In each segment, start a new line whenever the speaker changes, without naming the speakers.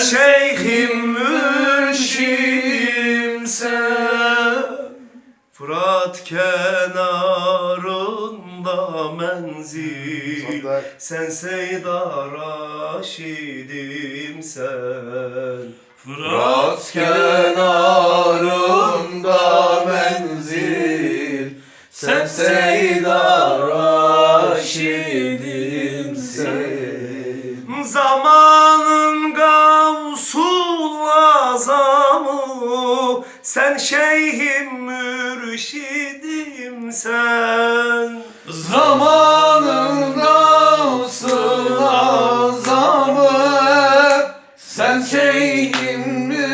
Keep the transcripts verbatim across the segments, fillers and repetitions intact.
şeyhim mürşidim sen. Fırat kenarında menzil, sen Seyda Raşidim sen.
Fırat kenarında menzil, sen Seyda Raşidim sen.
Zamanın Gavsul Azamı, sen şeyhim mürşidim sen.
Zamanın Gavsul Azamı, sen şeyhim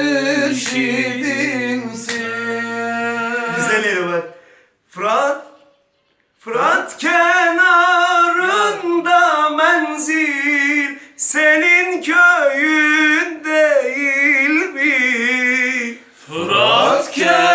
mürşidimsin.
Güzel yeri var. Fırat, Fırat kenarında menzil, senin köyün değil mi?
Fırat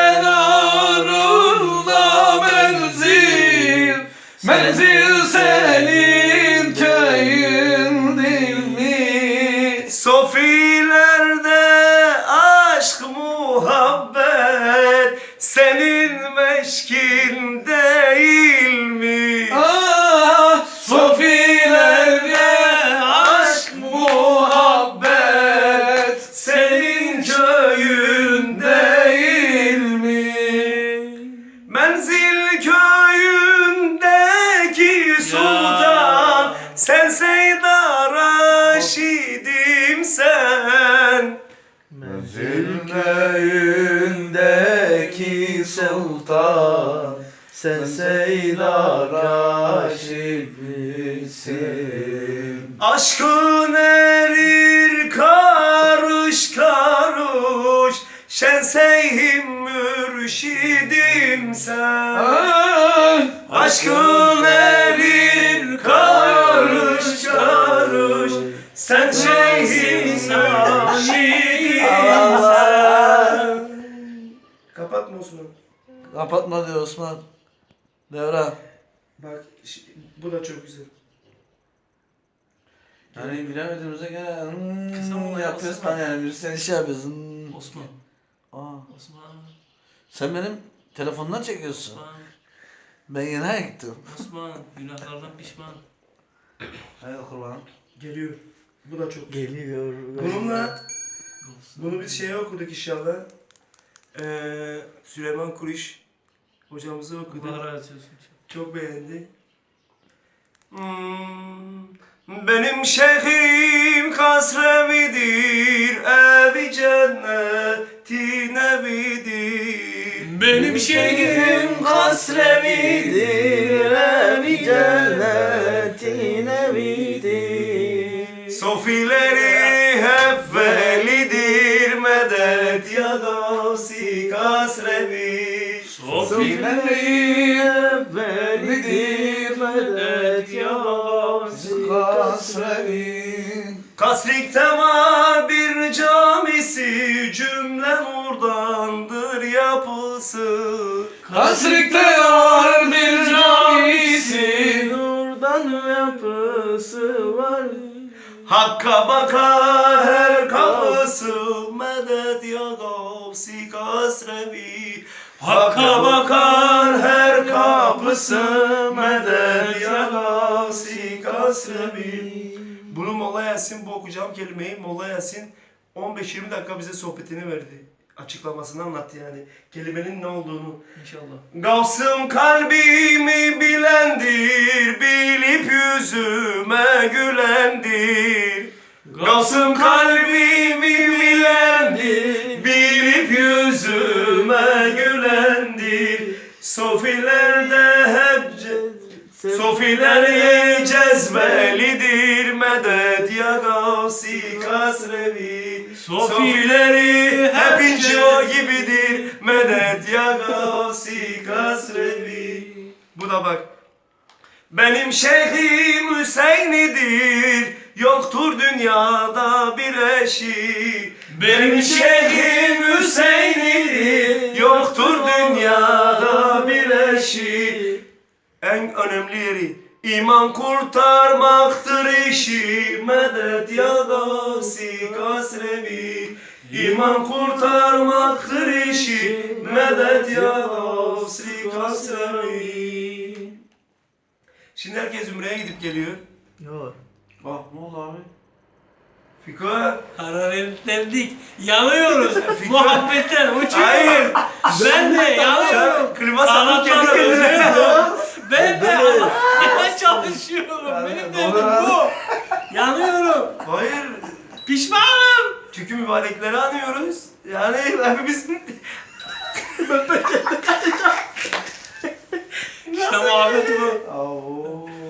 kenarında menzil, menzil senin köyün değil mi?
Sofilerde aşk muhabbet, senin meşkin değil mi?
Ah, sofilerde aşk muhabbet,
Senin köyün
değil mi?
Menzil köyündeki sultan, sen Seyda Raşidim sen.
Menzil köyündeki sultan, sen Seyda Raşid'sin.
Aşkın erir karış karış, şen seyhim mürşidim sen.
Ah,
Aşkın erir karış karış, sen şeyhim mürşidim sen. Kapatma Osman.
kapatma diyor Osman. Devra.
Bak bu da çok güzel.
Yani bilemediğimize göre
Kısa
hmm,
mı
yapıyoruz
Osman?
ben yani bir sen şey yapıyorsun.
Osman.
Aa,
Osman.
sen benim telefondan çekiyorsun.
Osman.
Ben yine gittim.
Osman. Günahlardan pişman.
Haydi kurban.
Geliyor. Bu da çok güzel.
Geliyor.
Bununla bunu biz şeye okuduk inşallah. Ee, Süleyman Kuriş hocamızı okuduk.
Bahara açıyorsun.
Çok beğendi. Hmm, benim şeyhim Kasrevidir, evi cennetin evidir.
Benim şeyhim
Kasrevidir, evi cennetin evidir.
Sofileri hep velidir, medet ya gavsi Kasrevi.
Sofileri velidir, medet ya Kasrevi.
Kasrik'te var bir camisi, cümle nurdandır yapısı.
Kasrik'te var bir camisi,
nurdan yapısı var. Hakka bakar her kapısı, medet ya gavsi Kasrevi. Hakka bakar her kapısı, medet ya gavsi Kasrevi. Bunu Molla Yasin, bu okuyacağım kelimeyi Molla Yasin on beş yirmi dakika bize sohbetini verdi. Açıklamasını anlattı yani. Kelimenin ne olduğunu.
İnşallah.
Gavsım kalbimi bilendir, bilip yüzüme gülendir. Gavsım kalbimi bilendir, bilip yüzüme gülendir. Sofilerde hep Sofileri cezbelidir, medet ya gavsi Kasrevi. Sofileri hep ince o gibidir, medet ya gavsi Kasrevi. Bu da bak. Benim şeyhim Hüseyin'idir, yoktur dünyada bir eşi. Benim şeyhim Hüseyin'idir, yoktur dünyada bir eşi. En önemli yeri İman kurtarmaktır işi, medet ya gavsi kasrevi. İman kurtarmaktır işi, medet ya gavsi kasrevi. Şimdi herkes Ümre'ye gidip geliyor.
Yok.
Bak ne oldu abi? Fiko.
Hararetlendik. Yanıyoruz. Muhabbetten uçuyoruz.
Hayır.
Ben de yanıyorum.
Sen klima sakın kendi
Kanatları
kendine.
özlüyorum. Ben de
Ben de.
anlatmaya çalışıyorum.
Ben de.
Benim
Doğru
derdim
abi.
bu. Yanıyorum.
Hayır.
Pişmanım.
Çünkü mübarekleri anıyoruz. Yani hepimiz...
İşte muhabbet bu.
Oo.